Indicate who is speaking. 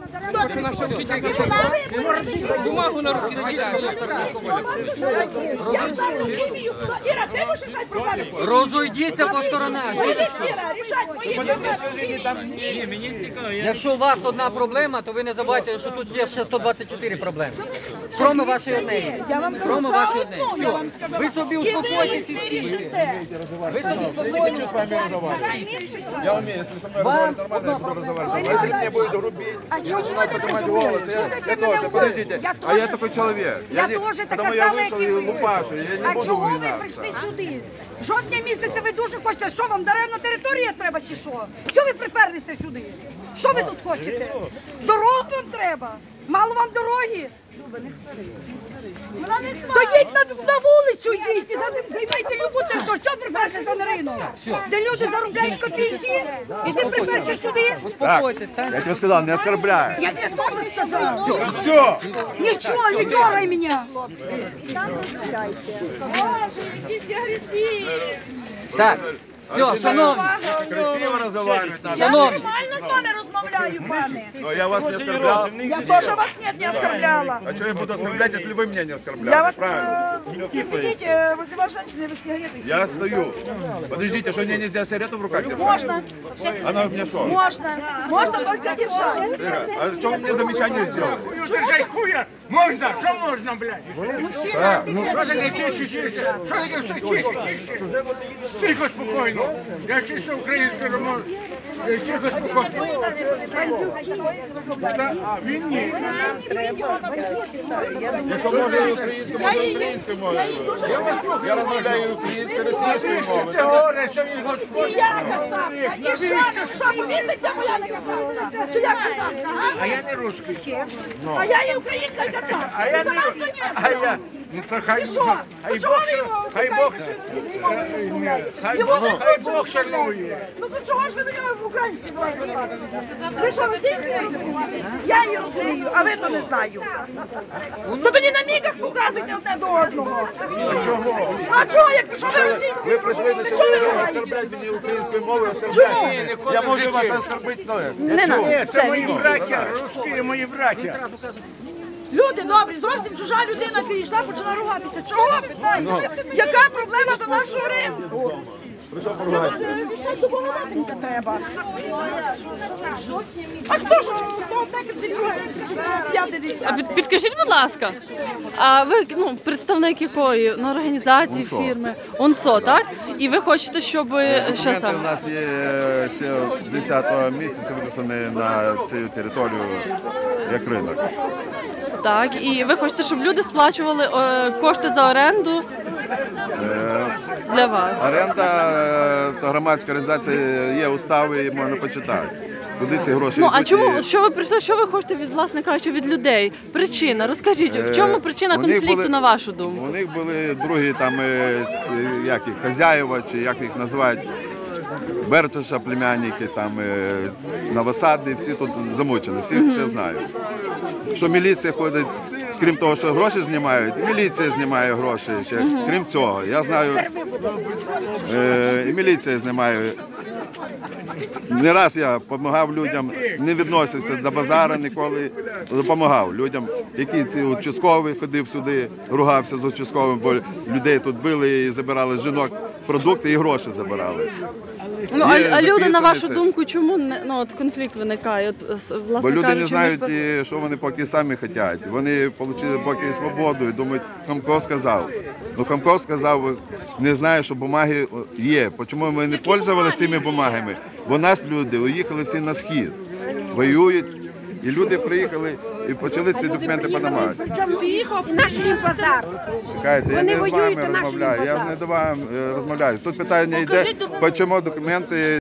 Speaker 1: Хочу наша учителька бумагу на руки накидати.
Speaker 2: Розійдіться по сторонах. Якщо у вас одна проблема, то ви не забувайте, що тут є ще 124 проблеми. Кроме вашої однієї. Кроме вашої однієї. Все. Ви собі успокойтесь і стійте. Ви собі успокойтесь.
Speaker 3: Хочу с вами разговаривать. Я умею, если со мной разговаривать нормально, я буду разговаривать. А если мне будет грубить, начинать поднимать голос, я тоже, подождите, а я такой человек. Потому я вышел и лупашу, я не буду
Speaker 4: чого ви
Speaker 3: винаться.
Speaker 4: прийшли сюди? Жовтня місяця ви дуже хочете, що вам даремна територія треба чи що? Що ви приперлися сюди? Що ви тут хочете? Дорогу вам треба? Мало вам дороги? То йдіть на вулицю, йдіть і займайте любу територію. Що приперлися на ринок? Де люди заробляють копійки? І ти приперся сюди?
Speaker 2: Успокойтесь,
Speaker 3: Я
Speaker 2: так?
Speaker 3: тебе сказал, не оскорбляй.
Speaker 4: Я тебе теж сказав.
Speaker 3: Все.
Speaker 4: Нічого, не дергай мене.
Speaker 2: Так. Все, шановні.
Speaker 3: Красиво разговаривать надо.
Speaker 2: Шановні.
Speaker 5: Нормально з вами розмовляю, пане.
Speaker 3: Но я вас не оскорблял.
Speaker 5: Я теж вас не оскорбляла.
Speaker 3: А что я буду оскорблять, если вы меня не
Speaker 5: Я
Speaker 3: оскорбляли?
Speaker 5: вас,
Speaker 3: Правильно.
Speaker 5: извините, возле вас женщины, вы сигареты.
Speaker 3: Я стою. Подождите, что мне нельзя сигарету в руках держать?
Speaker 5: Можно,
Speaker 3: Она у меня что?
Speaker 5: можно только держать.
Speaker 3: А что вы мне замечание сделали?
Speaker 1: Держать хуя! Можна? Що можна, блядь? Що таке тише? Що таке все тише? Тихо, спокійно. Я чисто українською мовою. Тихо, спокійно. А він ні.
Speaker 3: Якщо може українською, може українською мовою. Я розмовляю українською, російською мовою.
Speaker 1: Це горе, що він
Speaker 5: І
Speaker 1: Господь.
Speaker 5: я кацапка, і що повіситься моя на кацапка? Чи я кацапка,
Speaker 1: А
Speaker 5: а?
Speaker 1: я не русский.
Speaker 5: А я і українська кацапка.
Speaker 1: А я
Speaker 5: Ти
Speaker 1: не...
Speaker 5: сама з Донецька.
Speaker 1: Ну то хай
Speaker 5: І що?
Speaker 1: хай
Speaker 5: Чого
Speaker 1: Бог,
Speaker 5: ви його
Speaker 1: хай Бог,
Speaker 5: Його не
Speaker 1: хай
Speaker 5: хочете
Speaker 1: Бог шанує.
Speaker 5: Ну то чого ж ви до нього в українській говорите? Ви що, російською розумієте? Я її розумію, а ви то не знаю. То тоді на мігах показуйте одне до одного.
Speaker 1: Чого?
Speaker 5: А чого, як що ви російською?
Speaker 3: Ви прийшли до
Speaker 5: Чого
Speaker 3: цього,
Speaker 5: ви
Speaker 3: ви
Speaker 5: говорите?
Speaker 3: оскорбляєте мені українською мовою, оскорбляєте. Я можу вас оскорбити, но
Speaker 5: Не надо,
Speaker 1: Це
Speaker 5: все,
Speaker 1: мої
Speaker 5: відійдіть.
Speaker 1: браття, русські мої браття.
Speaker 5: Люди добрі, зовсім чужа людина підійшла, почала ругатися. Чого питаєте? Яка проблема до нашого ринку? Ще допомагати не треба. А хто ж того п'ятий
Speaker 6: А підкажіть, будь ласка, а ви представник якої організації,
Speaker 3: УНСО.
Speaker 6: фірми? УНСО, так? І ви хочете, щоб що
Speaker 3: Документи
Speaker 6: саме?
Speaker 3: у нас є ще 10 місяця виписані на цю територію як ринок.
Speaker 6: Так, і ви хочете, щоб люди сплачували кошти за оренду для вас?
Speaker 3: Оренда, то громадська організація, є устави, і можна почитати. Куди ці гроші
Speaker 6: Ну, а
Speaker 3: йдуть
Speaker 6: чому,
Speaker 3: і-
Speaker 6: що ви прийшли, що ви хочете від, власне кажучи, від людей? Причина, розкажіть, в чому причина
Speaker 3: у них
Speaker 6: конфлікту,
Speaker 3: були-
Speaker 6: на вашу думку?
Speaker 3: У них були другі там, як їх, хазяїва, чи як їх називають, Берчаша, племянники, там, новосадні, всі тут замучені, всі все знають. Що міліція ходить, крім того, що гроші знімають, міліція знімає гроші ще, крім цього. Я знаю, і міліція знімає. Не раз я допомагав людям, не відносився до базару ніколи, допомагав людям, які ці участкові ходив сюди, ругався з участковим, бо людей тут били і забирали з жінок продукти і гроші забирали.
Speaker 6: Ну,
Speaker 3: Є
Speaker 6: а люди, на
Speaker 3: записаний
Speaker 6: вашу
Speaker 3: це.
Speaker 6: думку, чому от конфлікт виникає? Власне
Speaker 3: Бо люди
Speaker 6: кажучи,
Speaker 3: не знають,
Speaker 6: між-
Speaker 3: що вони поки самі хочуть. Вони отримали поки свободу і думають, Хамко сказав. Ну Хамко сказав, не знаю, що бумаги є. Чому ми не пользувалися цими бумагами? Бо нас люди уїхали всі на схід, воюють, і люди приїхали і почали ці документи подавати.
Speaker 5: Причому приїхав наш базар.
Speaker 3: Чекайте, я не з
Speaker 5: воюють
Speaker 3: вами
Speaker 5: на нашому
Speaker 3: розмовляю, я
Speaker 5: базарі.
Speaker 3: не до вас розмовляю. Тут питання йде,
Speaker 5: Покажіть документи.
Speaker 3: чому документи